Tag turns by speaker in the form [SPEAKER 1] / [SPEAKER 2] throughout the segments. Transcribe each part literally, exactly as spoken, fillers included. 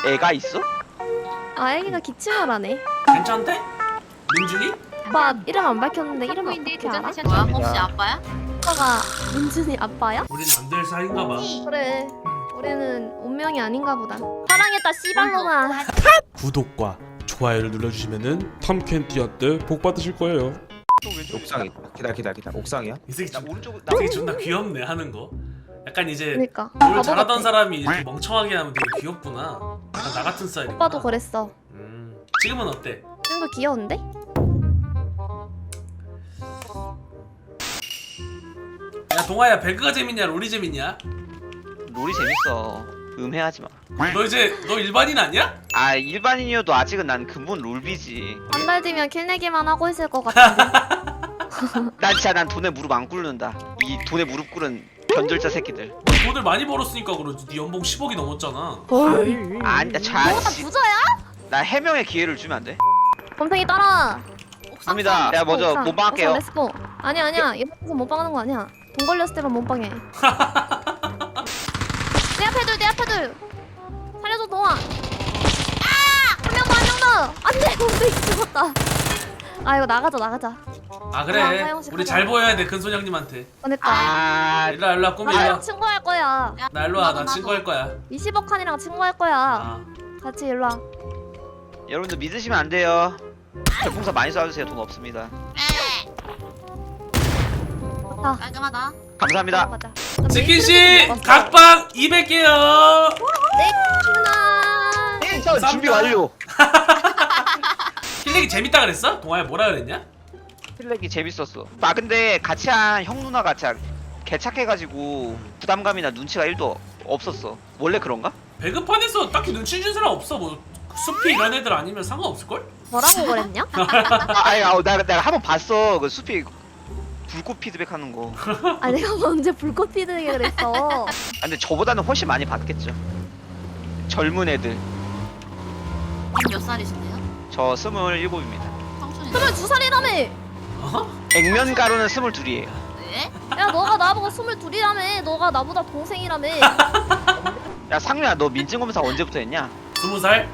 [SPEAKER 1] 애가 있어?
[SPEAKER 2] 아 애기가 기침을 하네.
[SPEAKER 3] 괜찮대? 민준이?
[SPEAKER 2] 오빠 이름 안 밝혔는데 이름을 어떻게 알아?
[SPEAKER 4] 뭐야? 혹시 아빠야?
[SPEAKER 2] 오빠가 민준이 아빠야?
[SPEAKER 3] 우린 안 될 사이인가 봐.
[SPEAKER 2] 그래. 우리는 운명이 아닌가 보다. 사랑했다 씨발로마.
[SPEAKER 5] 구독과 좋아요를 눌러주시면은 탐켄티한테 복 받으실 거예요.
[SPEAKER 1] 옥상이 기다려 기다려 기다려 옥상이야?
[SPEAKER 3] 이 새끼
[SPEAKER 1] 나
[SPEAKER 3] 좀,
[SPEAKER 1] 오른쪽
[SPEAKER 3] 이 새끼 존나 귀엽네 하는 거. 약간 이제
[SPEAKER 2] 그러니까.
[SPEAKER 3] 뭘
[SPEAKER 2] 바보
[SPEAKER 3] 잘하던
[SPEAKER 2] 같아.
[SPEAKER 3] 사람이 이렇게 멍청하게 하면 되게 귀엽구나. 약간 나 같은 스타일이구나.
[SPEAKER 2] 오빠도 그랬어.
[SPEAKER 3] 음, 지금은 어때?
[SPEAKER 2] 지금도 귀여운데?
[SPEAKER 3] 야 동아야 배그가 재밌냐 롤이 재밌냐?
[SPEAKER 1] 롤이 재밌어. 음해하지 마.
[SPEAKER 3] 너 이제 너 일반인 아니야?
[SPEAKER 1] 아 일반인이어도 아직은 난 근본 롤비지.
[SPEAKER 2] 한 달 뒤면 킬내기만 하고 있을 것 같은데.
[SPEAKER 1] 난 진짜 난 돈에 무릎 안 꿇는다. 이 돈에 무릎 꿇은 변절자 새끼들.
[SPEAKER 3] 너 돈을 많이 벌었으니까 그러지. 네 연봉 십억이 넘었잖아.
[SPEAKER 1] 아니다 자.
[SPEAKER 2] 너가
[SPEAKER 1] 씨.
[SPEAKER 2] 부자야?
[SPEAKER 1] 나 해명의 기회를 주면 안 돼?
[SPEAKER 2] 곰탱이 따라.
[SPEAKER 1] 갑니다. 내가 먼저
[SPEAKER 2] 옥상,
[SPEAKER 1] 몸빵할게요.
[SPEAKER 2] 옥상 렛츠고. 아니야 아니야. 이러면서 몸빵하는 거 아니야. 돈 걸렸을 때만 몸빵해. 내 앞에 둘, 내 앞에 둘. 살려줘 동아. 아! 한 명 더, 한 명 더. 안돼, 곰탱이 죽었다. 아 이거 나가자, 나가자.
[SPEAKER 3] 아 그래.
[SPEAKER 2] 아, 화영식
[SPEAKER 3] 우리
[SPEAKER 2] 하자.
[SPEAKER 3] 잘 보여야 돼 큰손 형님한테.
[SPEAKER 2] 보냈다.
[SPEAKER 1] 아
[SPEAKER 3] 일로와 일로와 꼬미
[SPEAKER 2] 나랑
[SPEAKER 3] 일로와.
[SPEAKER 2] 친구할 거야.
[SPEAKER 3] 나 일로와 나 친구할 거야.
[SPEAKER 2] 이십억 칸이랑 친구할 거야.
[SPEAKER 3] 아.
[SPEAKER 2] 같이 일로와.
[SPEAKER 1] 여러분들 믿으시면 안 돼요. 별풍선 많이 쏴주세요. 돈 없습니다.
[SPEAKER 2] 자,
[SPEAKER 4] 깔끔하다.
[SPEAKER 1] 감사합니다.
[SPEAKER 2] 가자.
[SPEAKER 3] 치킨씨 각방 이백 개요.
[SPEAKER 2] 네, 누나.
[SPEAKER 1] 텐션 준비 완료.
[SPEAKER 3] 힐링이 재밌다 그랬어? 동아야 뭐라 그랬냐?
[SPEAKER 1] 필렉이 재밌었어. 아 근데 같이 한 형 누나가 진짜 개착해가지고 부담감이나 눈치가 일도 없었어. 원래 그런가?
[SPEAKER 3] 배급판에서 딱히 눈치 준 사람 없어. 뭐 숲이 이런 애들 아니면 상관없을걸?
[SPEAKER 2] 뭐라고 그랬냐?
[SPEAKER 1] 아, 아니, 아, 나 내가 한번 봤어. 그 숲이 불꽃 피드백하는 거. 아,
[SPEAKER 2] 아 내가 언제 불꽃 피드게 그랬어.
[SPEAKER 1] 근데 저보다는 훨씬 많이 받겠죠. 젊은 애들.
[SPEAKER 4] 몇 살이신데요?
[SPEAKER 1] 저 스물일곱입니다.
[SPEAKER 4] 청춘이.
[SPEAKER 2] 스물두 살이라며.
[SPEAKER 3] 어?
[SPEAKER 1] 액면 가루는 스물둘이에요.
[SPEAKER 4] 네?
[SPEAKER 2] 야 너가 나보고 스물둘이라며. 너가 나보다 동생이라며.
[SPEAKER 1] 야 상민아, 너 민증검사 언제부터 했냐?
[SPEAKER 3] 스무 살?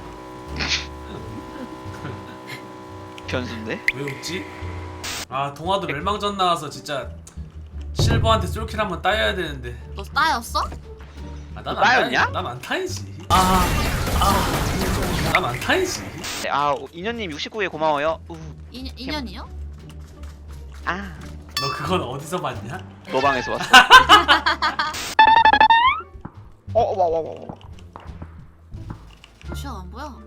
[SPEAKER 1] 변수인데?
[SPEAKER 3] 왜 웃지? 아 동아도 멸망전 나와서 진짜 실버한테 쏠킬 한번 따여야 되는데.
[SPEAKER 4] 너 따였어?
[SPEAKER 3] 아, 난
[SPEAKER 1] 나였냐?
[SPEAKER 3] 난 안타이지. 아, 아, 난 안타이지.
[SPEAKER 1] 아 인현님 육십구 회 고마워요. 우,
[SPEAKER 4] 이 년이요?
[SPEAKER 1] 아,
[SPEAKER 3] 너 그건 어디서 봤냐?
[SPEAKER 1] 너 방에서 왔어. 어, 와, 와, 와, 와.
[SPEAKER 4] 시야 안 보여.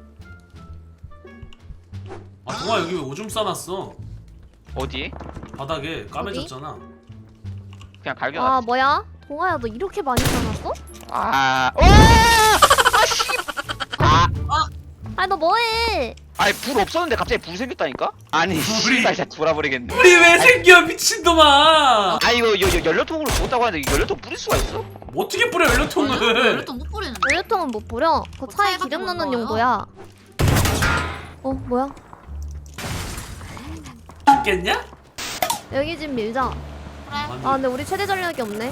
[SPEAKER 3] 아 동아 여기 왜 오줌 싸놨어?
[SPEAKER 1] 어디?
[SPEAKER 3] 바닥에 까매졌잖아.
[SPEAKER 1] 그냥 갈겨.
[SPEAKER 2] 아 뭐야? 동아야 너 이렇게 많이 살았어?
[SPEAKER 1] 아, 오! 아, 씨. 아,
[SPEAKER 2] 아니 너 뭐해?
[SPEAKER 1] 아니 불 없었는데 갑자기 불 생겼다니까? 아니,
[SPEAKER 3] 불이-
[SPEAKER 1] 씨발 진짜 돌아버리겠네.
[SPEAKER 3] 우리 왜 생겨 미친놈아?
[SPEAKER 1] 아 이거 여, 여, 연료통으로 줬다고 하는데 이거 연료통 뿌릴 수가 있어?
[SPEAKER 3] 뭐 어떻게 뿌려 연료통을?
[SPEAKER 4] 연료통 못 뿌리는데.
[SPEAKER 2] 연료통은 못 뿌려. 그 차에
[SPEAKER 4] 차에
[SPEAKER 2] 기름
[SPEAKER 4] 같은 거
[SPEAKER 2] 넣는
[SPEAKER 4] 넣어요?
[SPEAKER 2] 용도야. 어 뭐야?
[SPEAKER 3] 죽겠냐?
[SPEAKER 2] 여기 집 밀자.
[SPEAKER 4] 그래.
[SPEAKER 2] 아 근데 우리 최대 전력이 없네.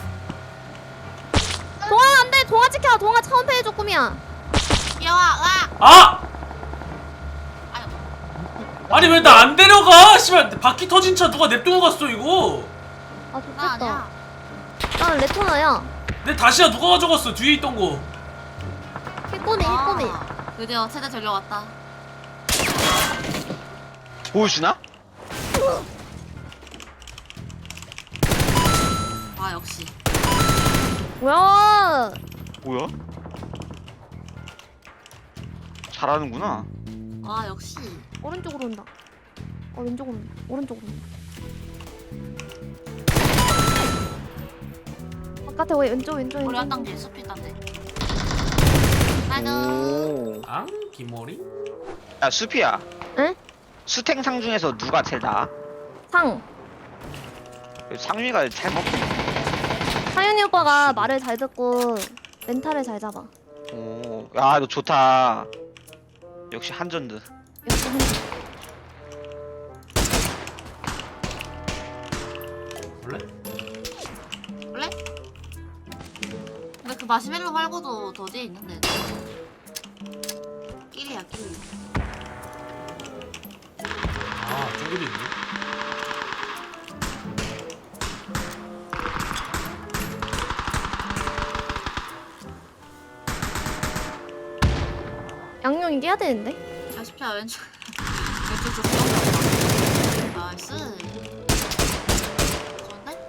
[SPEAKER 2] 동아 안돼. 동아 지켜. 동아 차원패 해줘 꿈이야.
[SPEAKER 4] 귀여워. 으악.
[SPEAKER 3] 아!
[SPEAKER 4] 아유.
[SPEAKER 3] 아니 왜 나 안 데려가? 씨발 바퀴 터진 차 누가 냅두고 갔어 이거?
[SPEAKER 2] 아
[SPEAKER 4] 나
[SPEAKER 2] 좋겠다.
[SPEAKER 4] 아니야.
[SPEAKER 2] 나는 레토나야.
[SPEAKER 3] 내 다시야 누가 가져갔어 뒤에 있던 거.
[SPEAKER 2] 힐꼬미 힐꼬미.
[SPEAKER 4] 아, 드디어 최대 전력 왔다.
[SPEAKER 1] 보여주나?
[SPEAKER 4] 아 역시.
[SPEAKER 2] 뭐야?
[SPEAKER 1] 뭐야? 잘하는구나.
[SPEAKER 4] 아 역시.
[SPEAKER 2] 오른쪽으로 온다. 어 왼쪽으로 온다. 오른쪽으로 온다. 바깥에 왜 왼쪽 왼쪽
[SPEAKER 4] 우리
[SPEAKER 2] 왼쪽.
[SPEAKER 4] 한 단계 숲이 있단데. 아이고.
[SPEAKER 1] 오.
[SPEAKER 3] 앙 기머리?
[SPEAKER 1] 야 수피야.
[SPEAKER 2] 응?
[SPEAKER 1] 수탱상 중에서 누가 제일 나아?
[SPEAKER 2] 상.
[SPEAKER 1] 상윤이가 잘 먹고.
[SPEAKER 2] 상윤이 오빠가 말을 잘 듣고 멘탈을 잘 잡아.
[SPEAKER 1] 오, 야, 너 좋다. 역시 한전드.
[SPEAKER 2] 역시 한.
[SPEAKER 3] 원래?
[SPEAKER 4] 원래? 근데 그 마시멜로 말고도 더 뒤에 있는데.
[SPEAKER 3] 아 저기도 있네.
[SPEAKER 2] 양용이 깨야 되는데.
[SPEAKER 4] 사십 야 왼쪽 왼쪽 쪽 쏘는 나이스. 좋은데?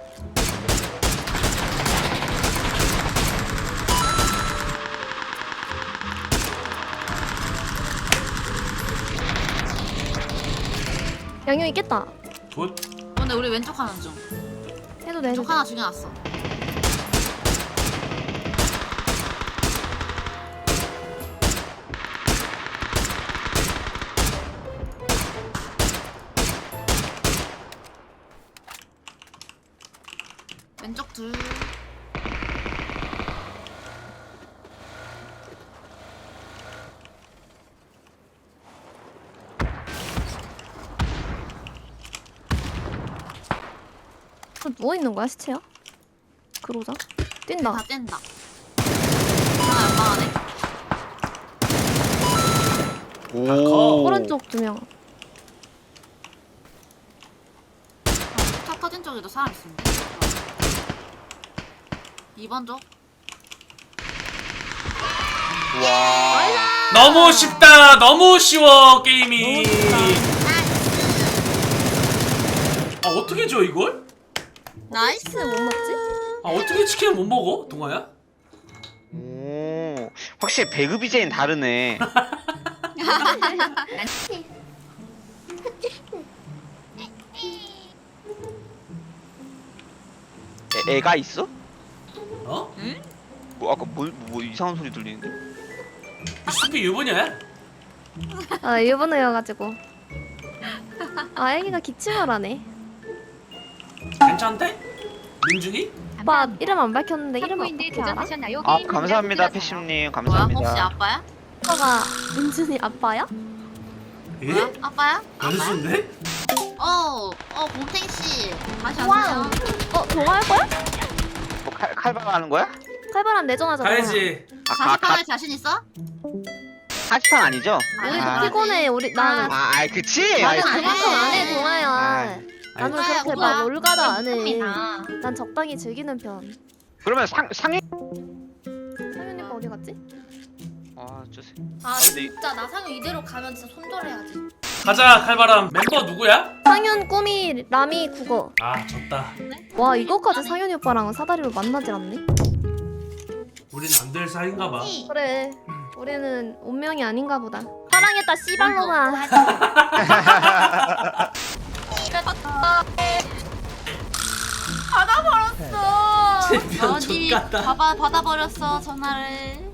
[SPEAKER 2] 양용이 깼다.
[SPEAKER 3] 굿.
[SPEAKER 4] 근데 우리 왼쪽 하는 중.
[SPEAKER 2] 해도 돼. 해도
[SPEAKER 4] 왼쪽
[SPEAKER 2] 돼.
[SPEAKER 4] 하나 죽여놨어. 왼쪽 둘.
[SPEAKER 2] 저 누워 있는 거야 시체야? 그러자. 뛴다.
[SPEAKER 4] 다 뗀다. 하나 연방하네.
[SPEAKER 1] 오.
[SPEAKER 2] 오른쪽 두 명.
[SPEAKER 4] 차 터진 쪽에도 사람 있습니다. 이 번 쪽.
[SPEAKER 1] 와.
[SPEAKER 3] 너무 쉽다. 너무 쉬워 게임이. 아 어떻게 줘 이걸?
[SPEAKER 4] 나이스.
[SPEAKER 2] 못 먹지?
[SPEAKER 3] 아 어떻게 치킨을 못 먹어? 동아야?
[SPEAKER 1] 오. 확실히 배그 비제는 다르네. 애, 애가 있어?
[SPEAKER 3] 어?
[SPEAKER 1] 뭐 아까 뭐, 뭐 이상한 소리 들리는데?
[SPEAKER 3] 이 숲이 유부녀야?
[SPEAKER 2] 아 일본어여가지고. 아 애기가 기침을 하네.
[SPEAKER 3] 괜찮대? 민준이?
[SPEAKER 2] 오빠 이름 안 밝혔는데 이름 어떻게 알아?
[SPEAKER 1] 아 감사합니다 패심님
[SPEAKER 4] 뭐야?
[SPEAKER 1] 감사합니다.
[SPEAKER 4] 혹시 아빠야?
[SPEAKER 2] 오빠가 민준이 아빠야?
[SPEAKER 3] 예?
[SPEAKER 4] 뭐야? 아빠야?
[SPEAKER 3] 연수인데?
[SPEAKER 4] 어, 어, 곰탱이 씨. 다시
[SPEAKER 2] 와우.
[SPEAKER 4] 왔어요.
[SPEAKER 2] 어 동화할 거야?
[SPEAKER 1] 뭐 칼, 칼바람 하는 거야?
[SPEAKER 2] 칼바람 내전하잖아.
[SPEAKER 3] 가야지.
[SPEAKER 1] 아, 가,
[SPEAKER 4] 다시
[SPEAKER 1] 가,
[SPEAKER 4] 파할 자신 있어?
[SPEAKER 1] 하시판 아니죠?
[SPEAKER 2] 우리도
[SPEAKER 1] 아.
[SPEAKER 2] 피곤해. 우리 나는
[SPEAKER 1] 아, 아이 그치?
[SPEAKER 2] 나는
[SPEAKER 1] 아이,
[SPEAKER 2] 그만큼 안 해 동화야.
[SPEAKER 1] 아이.
[SPEAKER 2] 나는
[SPEAKER 4] 아이,
[SPEAKER 2] 그렇게
[SPEAKER 4] 오빠.
[SPEAKER 2] 막 올가다 안 해.
[SPEAKER 4] 컴이다.
[SPEAKER 2] 난 적당히 즐기는 편.
[SPEAKER 1] 그러면 상 상해?
[SPEAKER 2] 상윤이 오빠 어디 갔지?
[SPEAKER 1] 아 저세.
[SPEAKER 6] 아
[SPEAKER 1] 근데 이-
[SPEAKER 6] 진짜 나상현 이대로 가면 진짜 손절해야지.
[SPEAKER 3] 가자 칼바람. 멤버 누구야?
[SPEAKER 2] 상윤, 꾸미, 라미, 국어.
[SPEAKER 3] 아 졌다.
[SPEAKER 2] 와 이거까지 상윤이 오빠랑 사다리로 만나질 않네.
[SPEAKER 3] 우린 안 될 사이인가 봐.
[SPEAKER 2] 그래. 우리는 운명이 아닌가 보다. 사랑했다 씨발로마.
[SPEAKER 6] 받아버렸어.
[SPEAKER 3] 챔피언
[SPEAKER 4] 어디
[SPEAKER 3] 족같다.
[SPEAKER 4] 받아, 받아버렸어, 전화를.